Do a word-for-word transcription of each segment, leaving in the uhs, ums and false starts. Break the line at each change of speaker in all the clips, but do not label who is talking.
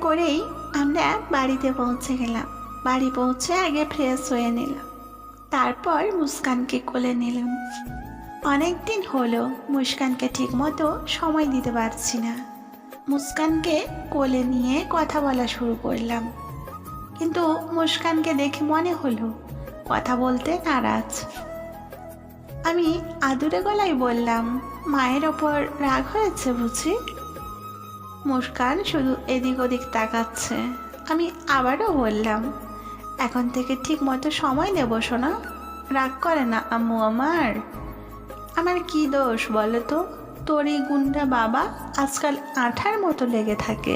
করেই আমরা বাড়িতে পৌঁছে গেলাম। বাড়ি পৌঁছে আগে ফ্রেশ হয়ে নিলাম, তারপর মুস্কানকে কোলে নিলাম। অনেক দিন হলো মুস্কানকে ঠিক মতো সময় দিতে পারছি না। মুস্কানকে কোলে নিয়ে কথা বলা শুরু করলাম, কিন্তু মুস্কানকে দেখে মনে হলো কথা বলতে নারাজ। আমি আদুরে গলায় বললাম, মায়ের ওপর রাগ হয়েছে বুঝি? মুস্কান শুধু এদিক ওদিক তাকাচ্ছে। আমি আবারও বললাম, এখন থেকে ঠিক মতো সময় নেব শোনা, রাগ করে না আম্মু আমার। আমার কি দোষ বলো তো? তোর এই গুন্ডা বাবা আজকাল আঠার মতো লেগে থাকে।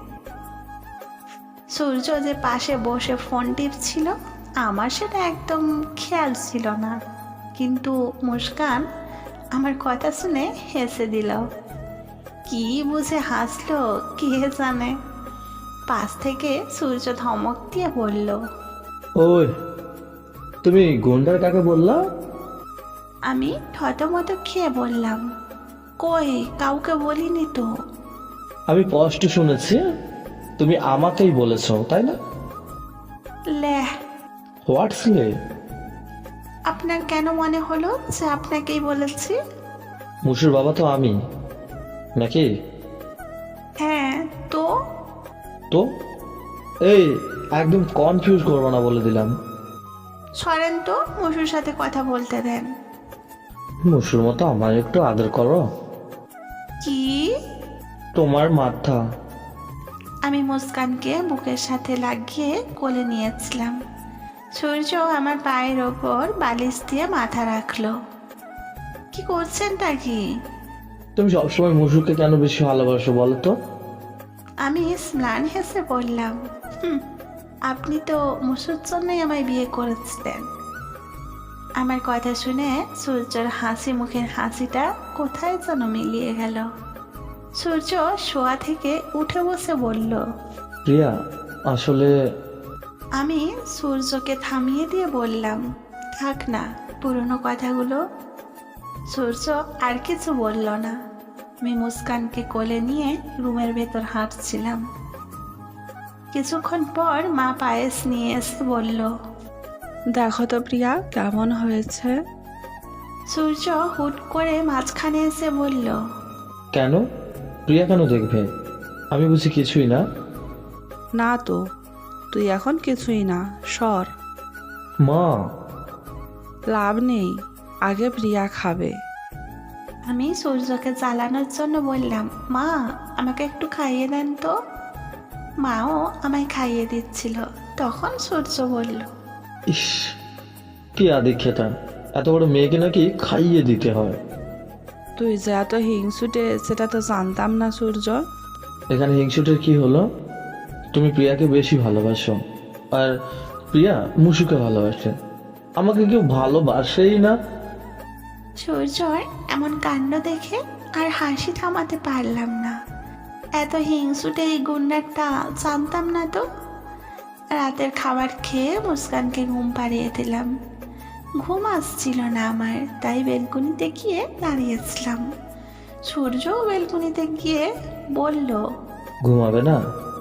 সূর্য যে পাশে বসে ফোন টিপছিল, আমার সেটা একদম খেয়াল ছিল না, কিন্তু মুস্কান আমার কথা শুনে হেসে দিল। কি বুঝে হাসলো কে জানে। পাশ থেকে সূর্য ধমক দিয়ে বলল,
ওই তুমি গুন্ডার কাকে বললা?
আমি থতমত খেয়ে বললাম, কই কাউকে বলিনি তো।
আমি স্পষ্ট শুনেছি তুমি আমাকেই বলেছো, তাই না?
লেহ,
হোয়াটস লে?
আপনার কেন মনে হলো যে আপনাকেই বলেছি?
মুসুর বাবা তো আমি, নাকি?
হ্যাঁ তো।
তো এই একদম কনফিউজ করবো না বলে দিলাম।
সরেন তো, মুসুর সাথে কথা বলতে দেন।
মুসুর মতো আমার একটু আদর করো।
কি?
তোমার মাথা।
আমি মুস্কানকে বুকের সাথে লাগিয়ে কোলে নিয়েছিলাম। সূর্য আমার পায়ের ওপর বালিশ দিয়ে মাথা রাখলো। কি করছেনটা কি?
তুমি সবসময় মুসুরকে কেন বেশি ভালোবাসো বলো তো?
আমি স্নান হেসে বললাম, হুম, আপনি তো মুসুর জন্যই আমায় বিয়ে করেছিলেন। আমার কথা শুনে সূর্যর হাসি মুখের হাসিটা কোথায় যেন মিলিয়ে গেল। সূর্য শোয়া থেকে উঠে বসে বলল,
প্রিয়া আসলে
আমি সূর্যকে থামিয়ে দিয়ে বললাম, থাক না পুরনো কথাগুলো। সূর্য আর কিছু বলল না। আমি মুস্কানকে কোলে নিয়ে রুমের ভেতর হাঁটছিলাম। কিছুক্ষণ পর মা পায়েস নিয়ে এসে বলল,
দেখো তো প্রিয়া কেমন হয়েছে।
সূর্য হুট করে মাঝখানে এসে বলল,
কেন? প্রিয়া কেন দেখবে? আমি বুঝি কিছুই না?
না তো, তুই এখন কিছুই না, সর।
মা
লাভ নেই, আগে প্রিয়া খাবে।
আমি সূর্যকে জ্বালানোর জন্য বললাম, মা আমাকে একটু খাইয়ে দেন তো। মাও আমায় খাইয়ে দিচ্ছিল। তখন সূর্য বলল,
ইস, কি আদিক্ষেতা, এত বড় মেয়েকে নাকি খাইয়ে দিতে হয়।
তুই যে এত হিংসুটে সেটা তো জানতাম না সূর্য।
এখানে হিংসুটের কি হলো? তুমি প্রিয়াকে বেশি ভালোবাসো, আর প্রিয়া মুসুকে ভালোবাসে। আমাকে কেউ ভালোবাসেই না।
সূর্যর এমন কাণ্ড দেখে আর হাসি থামাতে পারলাম না। এত হিংসুটে এই গুন্ডারটা জানতাম না তো। রাতের খাবার খেয়ে মুস্কানকে ঘুম পাড়িয়ে দিলাম। ঘুম আসছিল না আমার, তাই বেলকুনিতে গিয়ে দাঁড়িয়েছিলাম। সূর্যও বেলকুনিতে গিয়ে বলল,
ঘুমাবে না?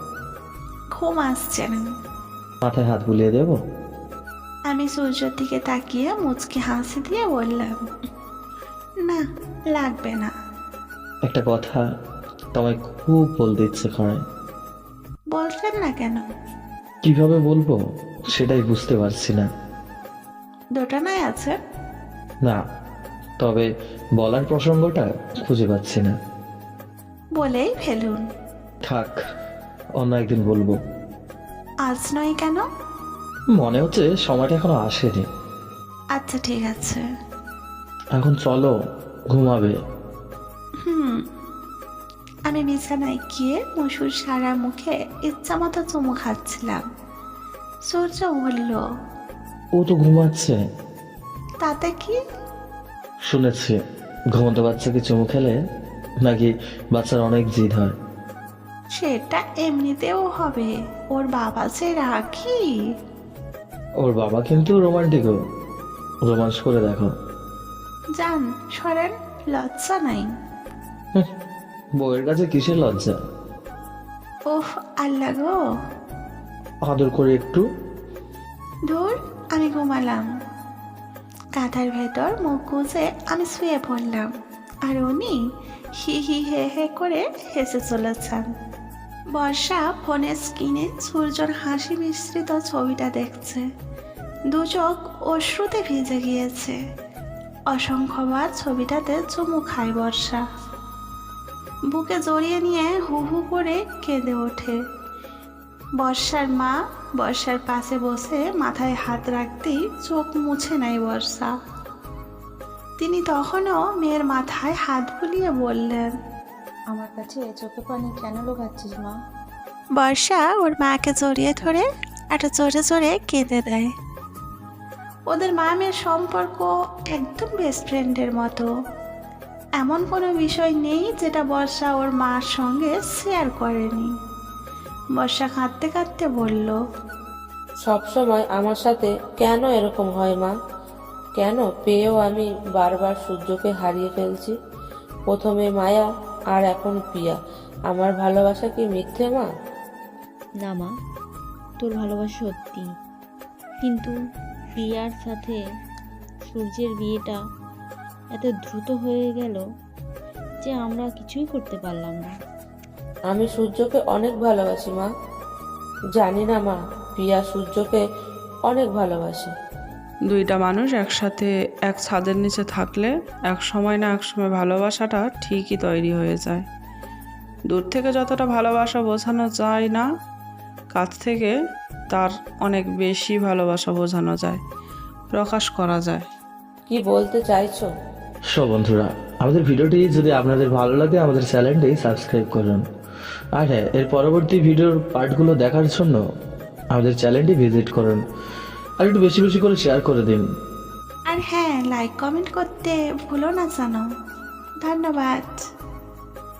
ঘুম আসছে না।
মাথায় হাত বুলিয়ে দেব?
আমি সূর্যের দিকে তাকিয়ে মুচকি হাসি দিয়ে বললাম, না লাগবে না।
একটা কথা তোমায় খুব বলতে ইচ্ছে করে।
বলছেন না কেন?
কিভাবে বলবো সেটাই বুঝতে পারছি না।
দোটানায় আছে?
না, তবে বলার প্রসঙ্গটা খুঁজে পাচ্ছি না।
বলেই ফেলুন।
থাক, অন্য একদিন বলবো।
আজ নয় কেন?
মনে হচ্ছে সময়টা এখনো আসেনি।
আচ্ছা ঠিক আছে।
এখন চলো, ঘুমাবে।
হুম। আমি বিছানায় গিয়ে মুসুর সারা মুখে ইচ্ছা মতো চুমু খাচ্ছিলাম। সূর্য বলল,
ও তো ঘুমাচ্ছে।
তাতে কি?
শুনেছি ঘুমন্ত বাচ্চাকে চুমু খেলে নাকি বাচ্চার অনেক জিদ হয়।
সেটা এমনিতেও হবে, ওর বাবা যে রাখি।
ওর বাবা কিন্তু রোমান্টিকও। রোমান্স করে দেখো।
যান সরেন, লজ্জা নাই।
হুঁ, বউয়ের কাছে কিসের লজ্জা?
ওহ আল্লাহ গো,
আদর করে একটু।
ধুর, আমি ঘুমালাম। কাঁথার ভেতর মুখ গুজে আমি শুয়ে পড়লাম, আর উনি হি হি হে হে করে হেসে চলেছেন। বর্ষা ফোনের স্ক্রিনে সূর্যর হাসি মিশ্রিত ছবিটা দেখছে। দু চোখ অশ্রুতে ভিজে গিয়েছে। অসংখ্যবার ছবিটাতে চুমু খায় বর্ষা। বুকে জড়িয়ে নিয়ে হু হু করে কেঁদে ওঠে। বর্ষার মা বর্ষার পাশে বসে মাথায় হাত রাখতেই চোখ মুছে নেয় বর্ষা। তিনি তখনও মেয়ের মাথায় হাত বুলিয়ে বললেন,
আমার কাছে চোখে পানি কেন লোকাচ্ছিস মা?
বর্ষা ওর মাকে জড়িয়ে ধরে একটা জোরে জোরে কেঁদে দেয়। ওদের মা মেয়ের সম্পর্ক একদম বেস্ট ফ্রেন্ডের মতো। এমন কোনো বিষয় নেই যেটা বর্ষা ওর মার সঙ্গে শেয়ার করেনি। বর্ষা কাঁদতে কাঁদতে বলল,
সব সময় আমার সাথে কেন এরকম হয় মা? কেন পেয়েও আমি বারবার সূর্যকে হারিয়ে ফেলছি? প্রথমে মায়া আর এখন প্রিয়া। আমার ভালোবাসা কি মিথ্যে মা?
না মা, তোর ভালোবাসা সত্যি, কিন্তু প্রিয়ার সাথে সূর্যের বিয়েটা এত দ্রুত হয়ে গেল যে আমরা কিছুই করতে পারলাম না।
আমি সূর্যকে অনেক ভালোবাসি মা। জানি না মা, প্রিয়া সূর্যকে অনেক ভালোবাসে।
দুইটা মানুষ একসাথে এক ছাদের নিচে থাকলে এক সময় না এক সময় ভালোবাসাটা ঠিকই তৈরি হয়ে যায়। দূর থেকে যতটা ভালোবাসা বোঝানো যায় না, কাছ থেকে তার অনেক বেশি ভালোবাসা বোঝানো যায়, প্রকাশ করা যায়।
কি বলতে চাইছো?
সব বন্ধুরা, আমাদের ভিডিওটি যদি আপনাদের ভালো লাগে আমাদের চ্যানেলটি সাবস্ক্রাইব করুন। আর হ্যাঁ, এর পরবর্তী ভিডিওর পার্টগুলো দেখার জন্য আমাদের চ্যানেলটি ভিজিট করুন। আর একটু বেশি বেশি করে শেয়ার করে দিন।
আর হ্যাঁ, লাইক কমেন্ট করতে ভুলো না জানো। ধন্যবাদ।